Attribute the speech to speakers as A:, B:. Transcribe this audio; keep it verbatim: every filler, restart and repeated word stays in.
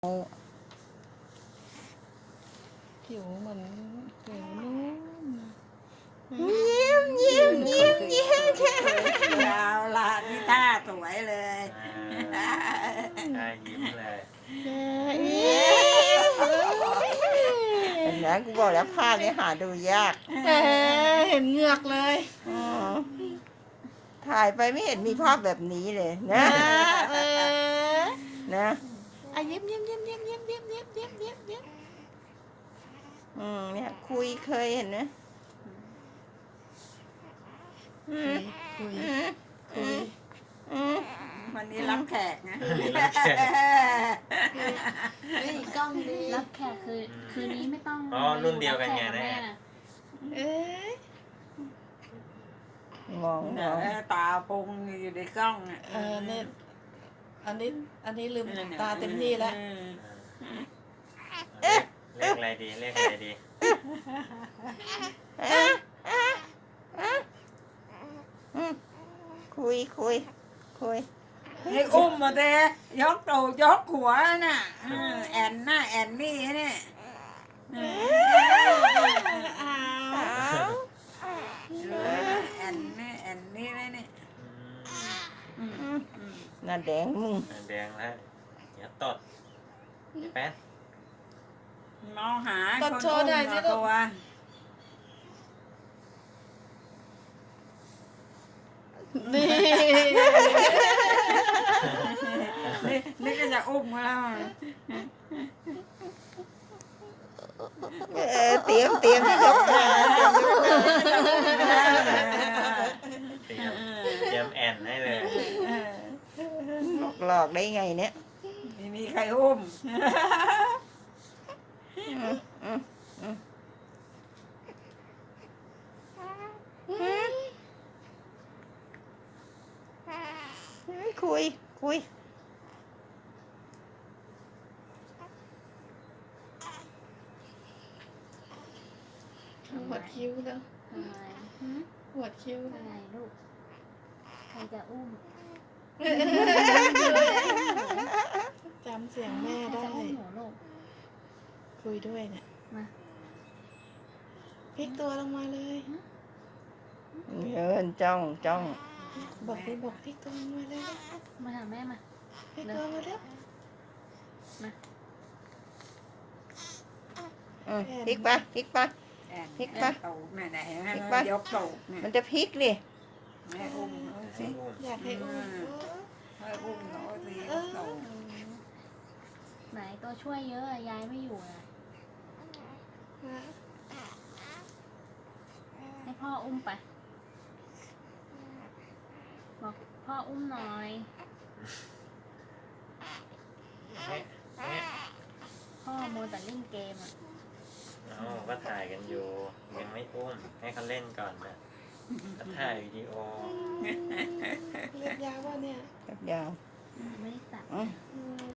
A: ผิวเหมือนผิวนุ่ม
B: ยิ้มยิ้มยิ้มยิ้มเอาละนี่ท่าสวยเลย
C: ได้ยิ้มเลย
D: เห็นไหมกูบอกแล้วภาพนี้หาดูยาก
A: แหมเห็นเหงือกเลย
D: อืมถ่ายไปไม่เห็นมีภาพแบบนี้เลยนะ
A: เออ
D: นะ
A: อ่ะยิ้มยิ้มยิ้มยิ้มยิ้มยิ้มยิ้มยิ้มยิ้มยิ้ม
D: อืมเนี่ยคุยเคยเห็นไหมอืม
A: คุย
D: อืม
A: คุย
D: อืม
B: วันนี้รับแขกนะ
A: นี่กล้องดี
E: รับแขกคือคืนนี้ไม่ต้อง
C: อ๋อรุ่นเดียวกันไง
E: รับแข
C: แน่
E: กับม่
A: เอ๊ะ
D: มองม
B: เดี๋ยว
D: อง
B: ตาปุงอยู่ในกล้องอ่ะ
A: เออเนี่ยอันนี้อันนี้ลืมตาเต็มที่แล้ว
C: เลขเลขอะไรดีเลขอะไรดี
D: อ่ะอ่ะอ่ะอืมคุยคุยคุย
B: ให้อุ้มมาเตะยกตูดยกหัวน่ะเออแอนน่ะแอนนี่เนี่ยเออ
A: อ้า
D: อ้าว
B: แอนนี่แอนนี่เลยเนี่ย
C: อืม
B: อืมอืม
D: หน้าแดงมึง
C: แดงแล้วเดี๋ยวตดไอ้แป๊ด
B: มองหา
A: ตดโชว์หน่อยสิลูก
B: ตัว
A: นี่
B: นี่นี่ก็จะอุ้มแล้ว
D: เออเตรียมเตรียมที่ยกมาเตรียมยกมา
C: เตรียมเตรียมแอนให้เลย
D: หลอกได้ไงเนี่ย
B: ไม่มีใครอุ้ม
D: อืมอืมอืมอืมคุยคุย
A: หัวดคิ้วแล้ว
E: อะไรหืม
A: หัวดคิ้ว
E: อะไรลูกใครจะอุ้ม
A: จำเสียงแม่
E: ใคร
A: ได้
E: จะอุ้มหนูลูก
A: คุยด้วยเนี่ย
E: มา
A: พลิกตัวลงมาเลย
D: เยินจ้องจ้อง
A: บอกดิบอกพลิกตัวลงมาเลย
E: มาหาแม่มา
A: พลิกตัวมาเร็ว
D: อืมพลิกไปพลิกไป
B: แอน
D: พลิก
B: แอ
D: ปะ
B: นตูดเนี่ยไหนเห็นไหม
D: พลิกปะ
B: ยกตูดเนี่ย
D: มันจะพลิกดิ
B: แม่อุ้มเขาสิ
A: อยากให้อุ้ม
B: แม่อุ้มเขาสิย
A: เอก
B: ตูด
A: อ
E: ไหนตัวช่วยเยอะอะยายไม่อยู่นะให้พ่ออุ้มไปบอกพ่ออุ้มหน่อย
C: เอ๊ะเอ๊ะ
E: พ่อโมวแต่เล่นเกมอ่ะ
C: เอาก็ถ่ายกันอยู่ยังไม่อุ้มให้เขาเล่นก่อนนะก็ถ่ายวิดีโอ
A: เรียกยาวว่าเนี่ย
D: แบบยาว
E: ไม่ได้ตัด
D: อืม
A: อืม